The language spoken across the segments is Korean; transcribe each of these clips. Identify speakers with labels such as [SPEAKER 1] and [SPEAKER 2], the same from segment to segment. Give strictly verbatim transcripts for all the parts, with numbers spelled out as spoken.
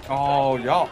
[SPEAKER 1] 어, 야.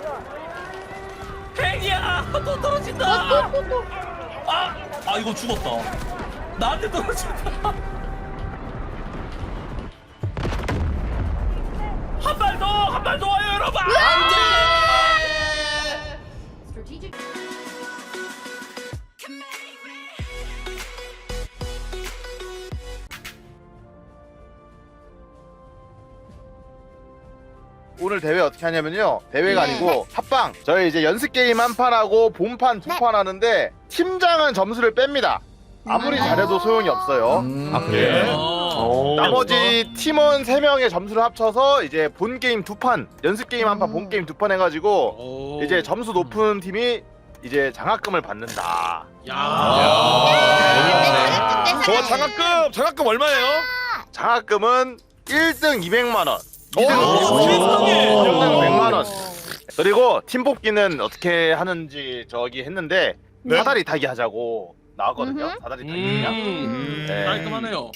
[SPEAKER 2] 팽이야 또 떨어진다. 아, 아 이거 죽었다. 나한테 떨어진다. 한 발 더, 한 발 더 와요 여러분. 안돼.
[SPEAKER 3] 오늘 대회 어떻게 하냐면요. 대회가
[SPEAKER 4] 네.
[SPEAKER 3] 아니고 합방. 저희 이제 연습 게임 한 판 하고 본판 두 판 하는데 팀장은 점수를 뺍니다. 아무리
[SPEAKER 4] 음.
[SPEAKER 3] 잘해도 소용이 없어요.
[SPEAKER 5] 음.
[SPEAKER 2] 아 그래?
[SPEAKER 3] 어. 나머지 팀원 세 명의 점수를 합쳐서 이제 본 게임 두 판, 연습 게임 한 판, 본 게임 두 판 해가지고 이제 점수 높은 팀이 이제 장학금을 받는다.
[SPEAKER 2] 야.
[SPEAKER 4] 야.
[SPEAKER 5] 저 장학금 장학금 얼마예요?
[SPEAKER 3] 장학금은 일 등 이백만 원,
[SPEAKER 5] 오,
[SPEAKER 3] 이 등
[SPEAKER 2] 세상에.
[SPEAKER 3] 백만 원. 그리고 팀 뽑기는 어떻게 하는지 저기 했는데
[SPEAKER 5] 네.
[SPEAKER 3] 사다리 타기 하자고 나왔거든요.
[SPEAKER 4] 음흠.
[SPEAKER 3] 사다리 타기 그냥.
[SPEAKER 2] 음,
[SPEAKER 3] 네.
[SPEAKER 2] 깔끔하네요.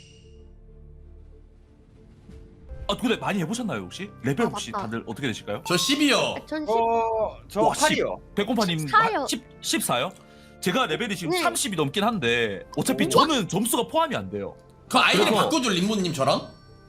[SPEAKER 2] 아 근데 많이 해보셨나요 혹시? 레벨
[SPEAKER 4] 아,
[SPEAKER 2] 혹시
[SPEAKER 4] 맞다.
[SPEAKER 2] 다들 어떻게 되실까요?
[SPEAKER 5] 저 십이요.
[SPEAKER 4] 전
[SPEAKER 1] 어, 저
[SPEAKER 2] 와,
[SPEAKER 1] 팔이요.
[SPEAKER 2] 백곰파님
[SPEAKER 4] 십사요.
[SPEAKER 2] 십사요? 제가 레벨이 지금
[SPEAKER 4] 네.
[SPEAKER 2] 삼십이 넘긴 한데 어차피
[SPEAKER 4] 오.
[SPEAKER 2] 저는 점수가 포함이 안 돼요.
[SPEAKER 5] 그 아이디
[SPEAKER 2] 그래서-
[SPEAKER 5] 바꿔줄 림모님 저랑?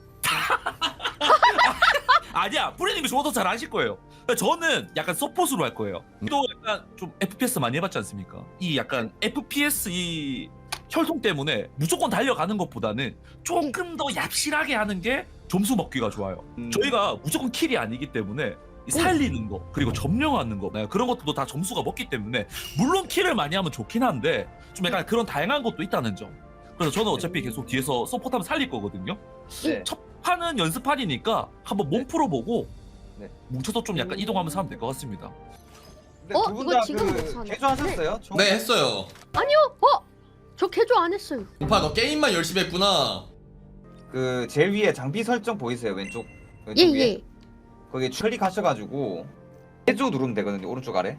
[SPEAKER 2] 아니야, 뿌리님이 저보다 잘 아실 거예요. 저는 약간 서폿으로 할 거예요. 또 약간 좀 에프피에스 많이 해봤지 않습니까? 이 약간 에프피에스 이 혈통 때문에 무조건 달려가는 것보다는 조금 더 얍실하게 하는 게 점수 먹기가 좋아요.
[SPEAKER 1] 음.
[SPEAKER 2] 저희가 무조건 킬이 아니기 때문에 이 살리는 거 그리고 점령하는 거 네, 그런 것도 다 점수가 먹기 때문에 물론 킬을 많이 하면 좋긴 한데 좀 약간 그런 다양한 것도 있다는 점. 그래서 저는 어차피 계속 뒤에서 서포트하면 살릴 거거든요.
[SPEAKER 1] 네.
[SPEAKER 2] 첫 판은 연습판이니까 한번 몸 풀어보고
[SPEAKER 1] 네.
[SPEAKER 2] 뭉쳐서 좀 약간 이동하면서 하면 될 것 같습니다.
[SPEAKER 1] 근데
[SPEAKER 4] 어,
[SPEAKER 1] 두분
[SPEAKER 4] 이거
[SPEAKER 1] 다
[SPEAKER 4] 지금
[SPEAKER 1] 그
[SPEAKER 4] 못하네.
[SPEAKER 1] 개조하셨어요? 저-
[SPEAKER 5] 네 했어요.
[SPEAKER 4] 아니요. 어? 저 개조 안 했어요.
[SPEAKER 5] 오빠 너 게임만 열심히 했구나.
[SPEAKER 1] 그 제일 위에 장비 설정 보이세요? 왼쪽 왼쪽
[SPEAKER 4] 예,
[SPEAKER 1] 위에.
[SPEAKER 4] 예.
[SPEAKER 1] 거기 클릭하셔가지고 개조 누르면 되거든요. 오른쪽 아래.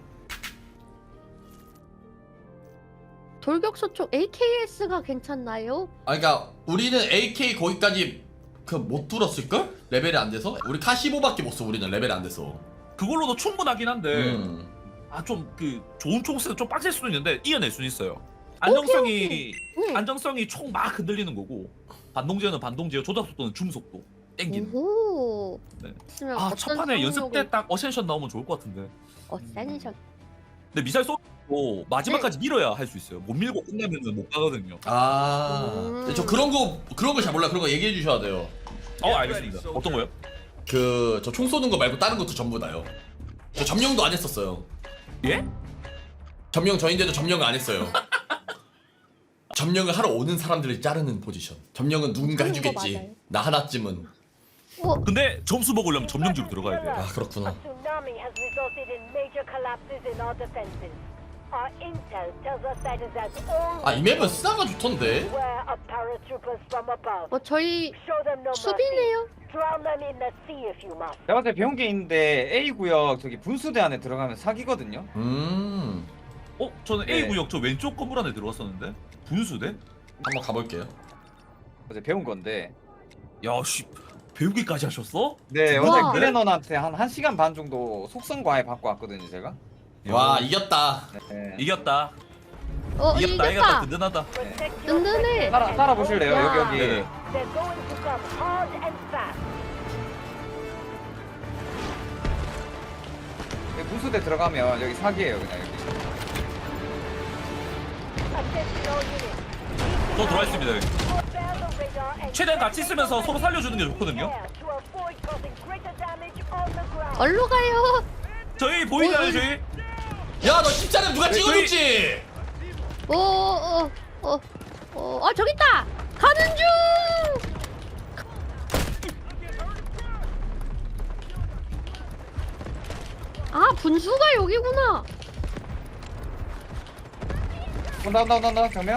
[SPEAKER 4] 돌격소 쪽 에이케이에스가 괜찮나요?
[SPEAKER 5] 아 그러니까 우리는 에이케이 거기까지 그 못 뚫었을 걸? 레벨이 안 돼서? 우리 카 십오밖에 못 써. 우리는 레벨이 안 돼서.
[SPEAKER 2] 그걸로도 충분하긴 한데
[SPEAKER 5] 음.
[SPEAKER 2] 아 좀 그 좋은 총 쓰는 좀 빡셀 수도 있는데 이겨낼 수는 있어요. 안정성이
[SPEAKER 4] 네.
[SPEAKER 2] 안정성이 총 막 흔들리는 거고 반동제어는 반동제어, 조작 속도는 줌 속도 땡기는.
[SPEAKER 4] 오.
[SPEAKER 2] 네.
[SPEAKER 4] 있으면
[SPEAKER 2] 아
[SPEAKER 4] 어떤
[SPEAKER 2] 첫 판에 연습
[SPEAKER 4] 성능을-
[SPEAKER 2] 때 딱 어센션 나오면 좋을 것 같은데.
[SPEAKER 4] 어센션.
[SPEAKER 2] 근데 미사일 쏘고 마지막까지 밀어야 할 수 있어요. 못 밀고 끝나면은 못 가거든요.
[SPEAKER 5] 아.
[SPEAKER 4] 음.
[SPEAKER 5] 저 그런 거 그런 거 잘 몰라. 그런 거 얘기해 주셔야 돼요.
[SPEAKER 2] 어 알겠습니다. 어떤 거요?
[SPEAKER 5] 그 저 총 쏘는 거 말고 다른 것도 전부 다요. 저 점령도 안 했었어요.
[SPEAKER 2] 예?
[SPEAKER 5] 점령 저인데도 점령을 안 했어요. 점령을 하러 오는 사람들을 자르는 포지션. 점령은 누군가
[SPEAKER 4] 하는 거
[SPEAKER 5] 해주겠지.
[SPEAKER 4] 맞아요.
[SPEAKER 5] 나 하나쯤은.
[SPEAKER 4] 어,
[SPEAKER 2] 근데 점수 먹으려면 점령지로 들어가야 돼요.
[SPEAKER 5] 아 그렇구나.
[SPEAKER 6] tsunami has resulted in major collapses in our defenses. Our intel tells us that is as all
[SPEAKER 5] 아 이 맵은 스나가 좋던데.
[SPEAKER 6] beware of paratroopers from above.
[SPEAKER 4] 어 저희
[SPEAKER 6] Show them no mercy.
[SPEAKER 4] 수비네요.
[SPEAKER 6] Drown them in the sea if you must.
[SPEAKER 1] 제가 봤을 때 배운 게 있는데 A 구역 저기 분수대 안에 들어가면 사기거든요.
[SPEAKER 5] 음.
[SPEAKER 2] 어? 저는
[SPEAKER 1] 네.
[SPEAKER 2] A 구역 저 왼쪽 건물 안에 들어갔었는데 분수대?
[SPEAKER 5] 한번 가볼게요.
[SPEAKER 1] 어제 배운 건데.
[SPEAKER 2] 야씨 배우기까지 하셨어?
[SPEAKER 1] 네,
[SPEAKER 4] 우와.
[SPEAKER 1] 어제 그레넌한테 한 1시간 반 정도 속성 과외 받고 왔거든요, 제가.
[SPEAKER 5] 와 이겼다.
[SPEAKER 1] 네.
[SPEAKER 2] 이겼다.
[SPEAKER 4] 어
[SPEAKER 2] 이겼다. 이겼다.
[SPEAKER 4] 이겼다.
[SPEAKER 2] 든든하다.
[SPEAKER 6] Protect your
[SPEAKER 4] 든든해.
[SPEAKER 6] sectors.
[SPEAKER 1] 따라 따라 보실래요?
[SPEAKER 4] 야.
[SPEAKER 1] 여기 여기.
[SPEAKER 2] 네네.
[SPEAKER 6] They're going to come hard and fast.
[SPEAKER 1] 여기 분수대 들어가면 여기 사기예요, 그냥 여기.
[SPEAKER 6] Attention all units.
[SPEAKER 2] 저 들어와 있습니다. 여기.
[SPEAKER 6] Bear the radar and
[SPEAKER 2] 최대한 같이 있으면서 서로 살려주는 게 좋거든요.
[SPEAKER 6] prepare to avoid causing greater damage on the ground.
[SPEAKER 4] 얼로 가요.
[SPEAKER 2] 저희 보이나요
[SPEAKER 4] 어,
[SPEAKER 2] 저희?
[SPEAKER 5] 야 너 십자는 누가
[SPEAKER 2] 네,
[SPEAKER 5] 찍어줬지?
[SPEAKER 4] 어어어 어. 어, 아 저기 있다. 가는 중. 아 분수가 여기구나.
[SPEAKER 1] 온다 온다 온다 온다 정면.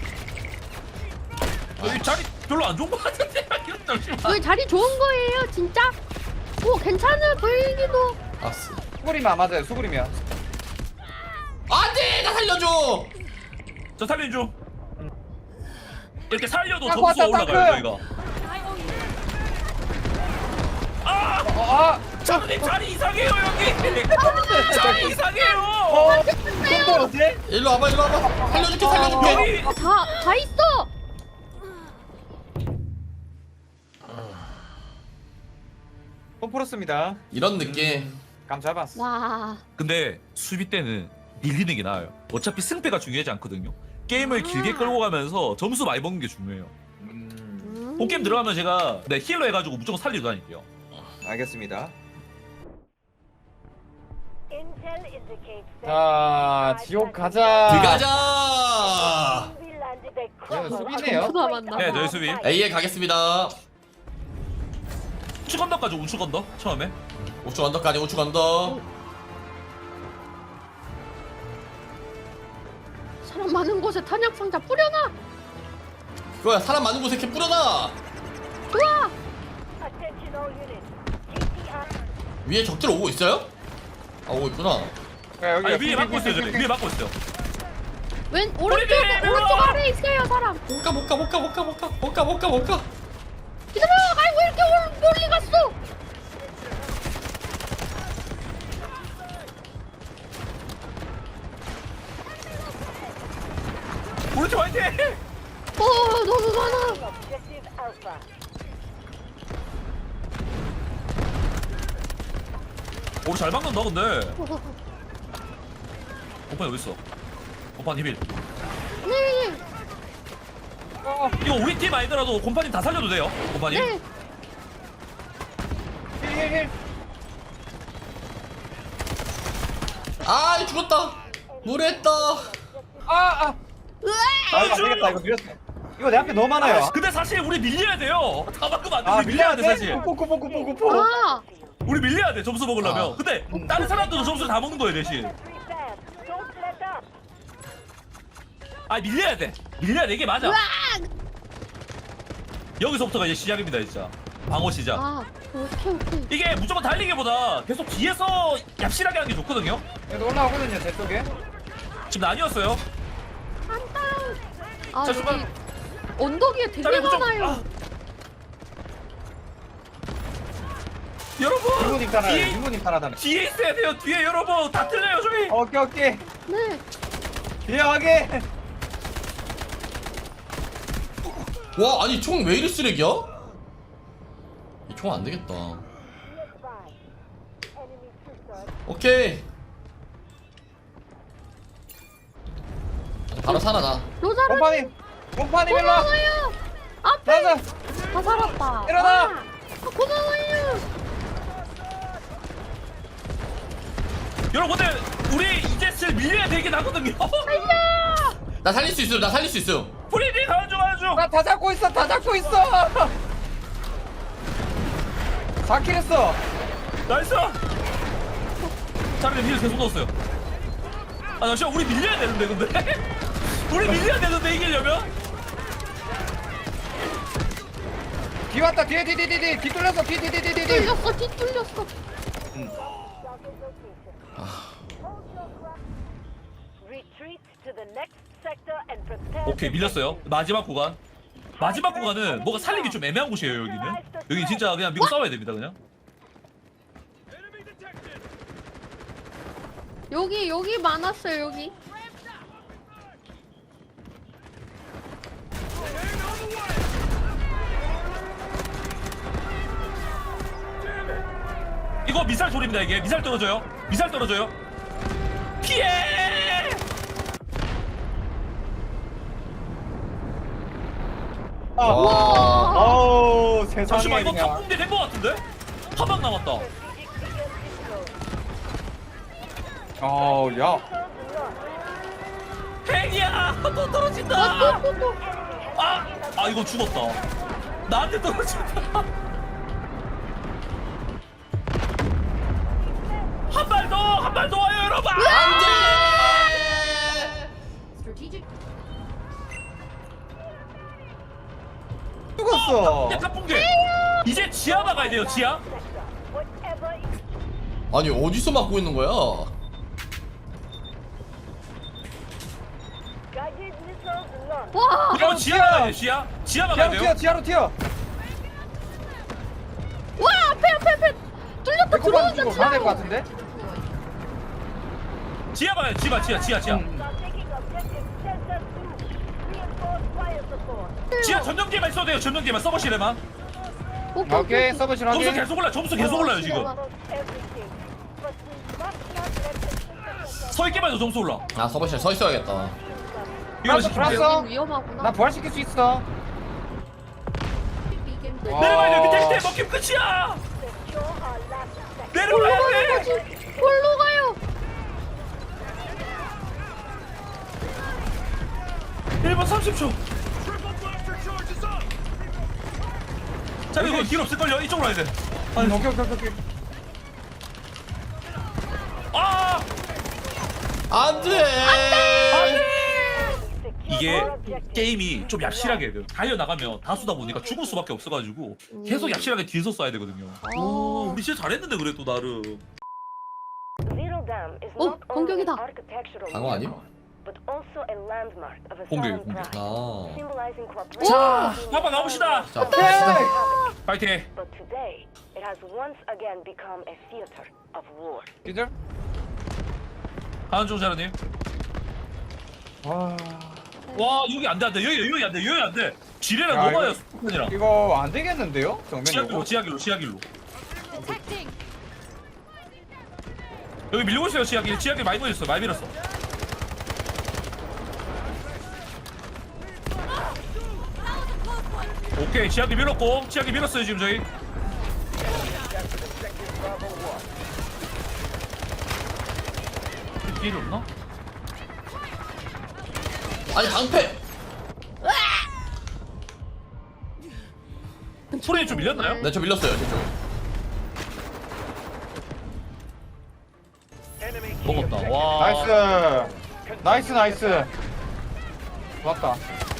[SPEAKER 2] 여기 자리 별로 안 좋은 것 같은데. 잠시만.
[SPEAKER 4] 여기 자리 좋은 거예요, 진짜? 오 괜찮아 보이기도.
[SPEAKER 5] 아스.
[SPEAKER 1] 수그리면 안 맞아요, 수그리면.
[SPEAKER 5] 안돼 나 살려줘.
[SPEAKER 2] 저 살린 중. 이렇게 살려도
[SPEAKER 1] 딱
[SPEAKER 2] 점수가
[SPEAKER 1] 왔다,
[SPEAKER 2] 올라가요
[SPEAKER 1] 딱
[SPEAKER 2] 저희가.
[SPEAKER 1] 어, 아!
[SPEAKER 2] 장님 자리 이상해요 여기. 자리 이상해요.
[SPEAKER 1] 어, 또 어때?
[SPEAKER 5] 일로 와봐 일로 와봐. 살려줄게 살려줄게.
[SPEAKER 2] 여기
[SPEAKER 4] 다, 다 있어!
[SPEAKER 1] 또 풀었습니다.
[SPEAKER 5] 이런 느낌.
[SPEAKER 1] 감 잡았어.
[SPEAKER 4] 와.
[SPEAKER 2] 근데 수비 때는 밀리는 게 나아요. 어차피 승패가 중요하지 않거든요. 게임을 길게 끌고 가면서 점수 많이 먹는 게 중요해요.
[SPEAKER 1] 음,
[SPEAKER 4] 음.
[SPEAKER 2] 본 게임 들어가면 제가 네, 힐러 해가지고 무조건 살리고 다닐게요.
[SPEAKER 1] 알겠습니다.
[SPEAKER 6] Intel indicates that
[SPEAKER 1] 자, 지옥 가자.
[SPEAKER 5] 들어가자.
[SPEAKER 6] we landed a
[SPEAKER 1] 네,
[SPEAKER 6] crumble
[SPEAKER 1] 수비네요.
[SPEAKER 6] on the
[SPEAKER 4] 수다
[SPEAKER 6] point
[SPEAKER 4] 만나.
[SPEAKER 6] of
[SPEAKER 2] 네,
[SPEAKER 6] our
[SPEAKER 2] 저희 수비.
[SPEAKER 6] fight.
[SPEAKER 5] A에 가겠습니다.
[SPEAKER 2] 우측 언덕까지 우측 언덕 처음에.
[SPEAKER 5] 우측 언덕까지 우측 언덕.
[SPEAKER 4] 사람 많은 곳에 탄약 상자 뿌려놔!
[SPEAKER 5] 그거야 사람 많은 곳에 이렇게 뿌려놔.
[SPEAKER 4] 좋아!
[SPEAKER 6] Attention all units. T T R
[SPEAKER 5] 위에 적들 오고 있어요? 아 오고 있구나.
[SPEAKER 1] 야, 여기
[SPEAKER 2] 아니 위에 막고 있어요 저기. 위에 막고 있어요.
[SPEAKER 4] 왼, 오른쪽,
[SPEAKER 2] 우리
[SPEAKER 4] 오른쪽
[SPEAKER 2] 밀어!
[SPEAKER 4] 아래에 있어요, 사람!
[SPEAKER 5] 못 가 못 가 못 가 못 가 못 가 못 가 못 가 못 가.
[SPEAKER 4] 기다려! 아이고, 이렇게 올- 멀리 갔어!
[SPEAKER 2] 오른쪽 화이팅!
[SPEAKER 4] 어, 너무 많아!
[SPEAKER 6] objective Alpha.
[SPEAKER 2] 오 잘 막는다 근데.
[SPEAKER 4] 어,
[SPEAKER 2] 오빠 어디 있어? 오빠 히빌.
[SPEAKER 4] 네,
[SPEAKER 2] 이거 우리 팀 아니더라도 곰파님 다 살려도 돼요. 곰파님.
[SPEAKER 4] 네.
[SPEAKER 1] 힐힐힐.
[SPEAKER 5] 아 죽었다. 무례했다.
[SPEAKER 1] 아, 아. 아, 이거 안 되겠다. 이거 밀렸어. 이거 내 앞에 너무 많아요.
[SPEAKER 2] 근데 사실 우리 밀려야 돼요. 다 막으면 안 돼.
[SPEAKER 1] 아,
[SPEAKER 2] 우리 밀려야 돼 사실.
[SPEAKER 1] 꼬꼬꼬꼬꼬꼬.
[SPEAKER 4] 아!
[SPEAKER 2] 우리 밀려야 돼 점수 먹으려면.
[SPEAKER 5] 아.
[SPEAKER 2] 근데 다른 사람들도 점수를 다 먹는 거예요 대신.
[SPEAKER 6] Three fab. Don't let up.
[SPEAKER 2] 아 밀려야 돼. 밀려야 돼 이게 맞아.
[SPEAKER 4] 으악!
[SPEAKER 2] 여기서부터가 이제 시작입니다 진짜. 방어 시작.
[SPEAKER 4] 아, 오케이, 오케이.
[SPEAKER 2] 이게 무조건 달리기보다 계속 뒤에서 얍실하게 하는 게 좋거든요.
[SPEAKER 1] 얘도 올라오거든요, 제 쪽에.
[SPEAKER 2] 지금 나뉘었어요.
[SPEAKER 4] 안다! 아,
[SPEAKER 2] 자,
[SPEAKER 4] 여기
[SPEAKER 2] 수박.
[SPEAKER 4] 언덕 위에 되게
[SPEAKER 2] 자, 무조건-
[SPEAKER 4] 많아요.
[SPEAKER 2] 아. 여러분
[SPEAKER 1] 이분님 따라요.
[SPEAKER 2] 뒤에,
[SPEAKER 1] 이분님 따라다녀.
[SPEAKER 2] 뒤에 있어야 돼요. 뒤에 여러분 다 틀려요 저희.
[SPEAKER 1] 오케이, 오케이.
[SPEAKER 4] 네.
[SPEAKER 1] 뒤에 확인.
[SPEAKER 5] 와 아니 총 왜 이리 쓰레기야? 이 총 안 되겠다.
[SPEAKER 6] Nearby. Enemy troops are
[SPEAKER 5] 오케이. 바로 살아나.
[SPEAKER 4] 로자르
[SPEAKER 1] 곰파님. 곰파님 일로 와.
[SPEAKER 4] 고마워요! 앞에!
[SPEAKER 1] 나가.
[SPEAKER 4] 다 살았다.
[SPEAKER 1] 일어나!
[SPEAKER 4] 와, 아, 고마워요!
[SPEAKER 2] 여러분 근데 우리 이제 슬 밀려야 되긴 하거든요.
[SPEAKER 5] 나 살릴 수 있음 나 살릴 수 있음.
[SPEAKER 2] 프리디 가야죠 가야죠.
[SPEAKER 1] 나 다 잡고 있어. 다 잡고 있어. 사 킬 했어.
[SPEAKER 2] 나이스. 자리에 힐 계속 넣었어요. 아 잠시만 우리 밀려야 되는데 근데. 우리 밀려야 되는데 이기려면.
[SPEAKER 1] 뒤 왔다. 뒤에 뒤 뒤 뒤 뒤. 뒤 뚫렸어. 뒤 뒤 뒤 뒤 뒤.
[SPEAKER 4] 뚫렸어, 뒤 뚫렸어.
[SPEAKER 6] target location. Hold your ground. Retreat to the next sector and prepare.
[SPEAKER 2] 오케이 밀렸어요. 마지막 구간. 마지막 구간은 뭐가 살리기 좀 애매한 곳이에요 여기는. 여기 진짜 그냥 미국 싸워야 됩니다 그냥.
[SPEAKER 4] 여기, 여기 많았어요, 여기.
[SPEAKER 2] 이거 미사일 소리입니다 이게. 미사일 떨어져요. 미사일 떨어져요. 피해.
[SPEAKER 1] 아.
[SPEAKER 4] 와!
[SPEAKER 1] 어우, 세상에
[SPEAKER 2] 잠시만 이거
[SPEAKER 1] 그냥.
[SPEAKER 2] 탑붕대 된 거 같은데? 한 방 남았다.
[SPEAKER 1] 어우, 야.
[SPEAKER 2] 핵이야 또
[SPEAKER 4] 아,
[SPEAKER 2] 떨어진다.
[SPEAKER 4] 또, 또, 또.
[SPEAKER 2] 아, 아 이거 죽었다. 나한테 떨어진다. 한 발 더, 한 발 더 와요 여러분.
[SPEAKER 5] 안돼.
[SPEAKER 1] 죽었어.
[SPEAKER 2] 이제 탑붕대. 이제 지하 막아야 돼요 지하.
[SPEAKER 6] Whatever is
[SPEAKER 5] 아니 어디서 막고 있는 거야?
[SPEAKER 6] guided missiles launched.
[SPEAKER 4] 와!
[SPEAKER 2] 이거 지하 막아야 돼 지하. 지하 막아야
[SPEAKER 1] 지하로
[SPEAKER 2] 돼요.
[SPEAKER 1] 튀어, 지하로 튀어.
[SPEAKER 4] 와, 앞에, 앞에, 앞에! 뚫렸다,
[SPEAKER 1] 백도 초반 쪽으로 가야 될 것 같은데?
[SPEAKER 2] 지하 봐요. 지하 지하 지하 지하.
[SPEAKER 1] 음.
[SPEAKER 6] Taking objective Delta two. Reinforced fire support.
[SPEAKER 2] 지하 전용기만 써도 돼요. 전용기만 서버실에만.
[SPEAKER 4] 오케이
[SPEAKER 1] 오케이 서버실
[SPEAKER 2] 점수
[SPEAKER 1] 확인.
[SPEAKER 2] 계속 올라. 점수 계속 올라요 지금.
[SPEAKER 6] Almost everything. But we must not let the synthesis
[SPEAKER 2] 서 있기만 해도 점수 올라.
[SPEAKER 5] 아 서버실 서 있어야겠다.
[SPEAKER 2] 이거
[SPEAKER 1] 플러스,
[SPEAKER 2] 시키면 돼요.
[SPEAKER 1] 플러스.
[SPEAKER 4] 위험하구나.
[SPEAKER 1] 나 부활시킬 수 있어.
[SPEAKER 4] 이게
[SPEAKER 1] 와.
[SPEAKER 2] 내려가야 돼. 밑에 밑에 먹히면 끝이야.
[SPEAKER 6] secure our last sector.
[SPEAKER 2] 내려가야
[SPEAKER 4] 골로
[SPEAKER 2] 돼.
[SPEAKER 4] 가요. 골로 가요.
[SPEAKER 2] 일 분 삼십 초. 자 이거 길 없을걸요? 이쪽으로 와야 돼.
[SPEAKER 1] 오케이 오케이 오케이 오케이.
[SPEAKER 2] 아!
[SPEAKER 5] 안돼.
[SPEAKER 2] 이게 게임이 좀 얍실하게 돼요. 달려 나가면 다수다 보니까 죽을 수밖에 없어가지고 계속 얍실하게 뒤에서 쏴야 되거든요. 오, 우리 진짜 잘했는데 그래도 나름.
[SPEAKER 6] Zero Dam is
[SPEAKER 4] 어,
[SPEAKER 6] not only an
[SPEAKER 4] 공격이다.
[SPEAKER 6] architectural
[SPEAKER 5] 방어 아님?
[SPEAKER 6] landmark, but also a landmark of a
[SPEAKER 2] 공격,
[SPEAKER 6] solemn
[SPEAKER 2] 공격.
[SPEAKER 6] pride,
[SPEAKER 5] 아.
[SPEAKER 6] symbolizing cooperation
[SPEAKER 2] 자,
[SPEAKER 6] between
[SPEAKER 2] 한번 가봅시다.
[SPEAKER 5] 자
[SPEAKER 1] 오케이.
[SPEAKER 2] 파이팅.
[SPEAKER 6] But today, it has once again become a theater of war.
[SPEAKER 1] 기절.
[SPEAKER 2] 하는 중 자라님.
[SPEAKER 1] 와.
[SPEAKER 2] 와 여기 안돼 안돼 여기 여기 안돼 여기 안돼. 지뢰랑
[SPEAKER 1] 야,
[SPEAKER 2] 넘어요
[SPEAKER 1] 이거-
[SPEAKER 2] 스폰이랑.
[SPEAKER 1] 이거 안 되겠는데요? 정면
[SPEAKER 2] 지하길로
[SPEAKER 1] 이거.
[SPEAKER 2] 지하길로 지하길로. 여기 밀리고 있어요 지하길. 지하길 많이 보였어 많이 밀었어. 오케이 지하길 밀었고 지하길 밀었어요 지금 저희. 길 없나?
[SPEAKER 5] 아니 방패.
[SPEAKER 2] 프레임 좀 밀렸나요?
[SPEAKER 5] 네 저 밀렸어요 저쪽.
[SPEAKER 2] 먹었다. 와.
[SPEAKER 1] 나이스. 나이스 나이스. 좋았다.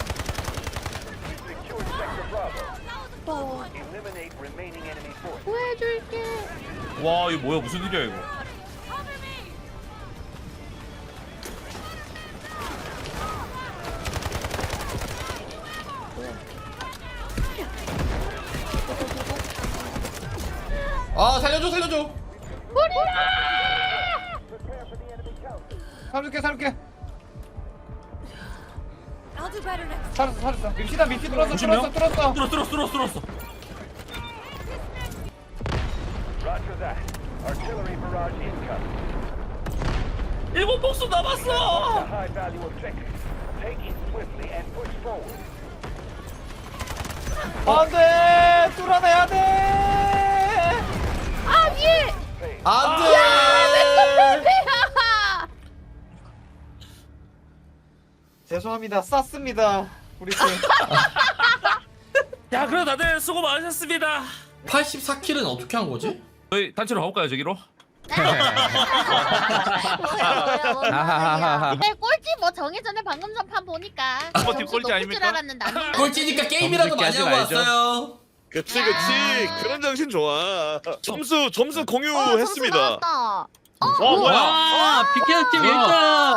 [SPEAKER 4] 어. 구해줄게.
[SPEAKER 2] 와 이거 뭐야 무슨 일이야 이거.
[SPEAKER 5] 아 살려줘 살려줘.
[SPEAKER 1] 살릴게 살릴게. 살았어 살았어. 밉시다 밉시 뚫었어
[SPEAKER 2] 오십 명?
[SPEAKER 1] 뚫었어 뚫었어.
[SPEAKER 2] 뚫었어 뚫었어 뚫었어 뚫었어.
[SPEAKER 7] Roger that. Artillery barrage incoming.
[SPEAKER 2] 일본 복수 남았어.
[SPEAKER 7] High value objective. Take it swiftly and push forward.
[SPEAKER 1] 안돼 뚫어내야 돼.
[SPEAKER 4] 아 위에.
[SPEAKER 5] 안돼.
[SPEAKER 4] 패배야.
[SPEAKER 1] 죄송합니다 쌌습니다 우리 팀.
[SPEAKER 2] 야 그럼 다들 수고 많으셨습니다.
[SPEAKER 5] 팔십사 킬은 어떻게 한 거지?
[SPEAKER 2] 저희 단체로 가볼까요 저기로?
[SPEAKER 4] 뭐야 네, 꼴찌 뭐 정해전에 방금 전판 보니까
[SPEAKER 2] 팀 꼴찌 아닙니까?
[SPEAKER 4] 알았는데 안
[SPEAKER 5] 꼴찌니까 게임이라도 많이 하고 왔어요.
[SPEAKER 8] 그치 그치 그런 정신 좋아. 점수 점수 공유했습니다.
[SPEAKER 4] 어,
[SPEAKER 2] 와 뭐야?
[SPEAKER 9] 아, 비케어 팀 일 등.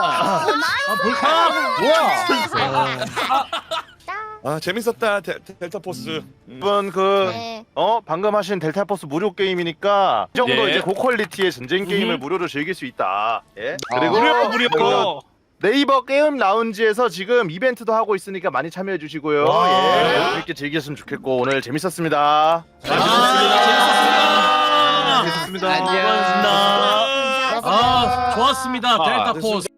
[SPEAKER 1] 뭐야?
[SPEAKER 8] 아 재밌었다 데, 데, 델타 포스. 음.
[SPEAKER 3] 이번 그
[SPEAKER 4] 네.
[SPEAKER 3] 어 방금 하신 델타포스 무료 게임이니까 이 정도
[SPEAKER 2] 예.
[SPEAKER 3] 이제 고퀄리티의 전쟁 게임을 무료로 즐길 수 있다. 예. 그리고
[SPEAKER 2] 무료 무료.
[SPEAKER 3] 그 네이버 게임 라운지에서 지금 이벤트도 하고 있으니까 많이 참여해 주시고요. 예. 재밌게 즐겼으면 좋겠고 오늘 재밌었습니다.
[SPEAKER 2] 재밌었습니다.
[SPEAKER 9] 안녕. 아, 좋았습니다. 델타 포스.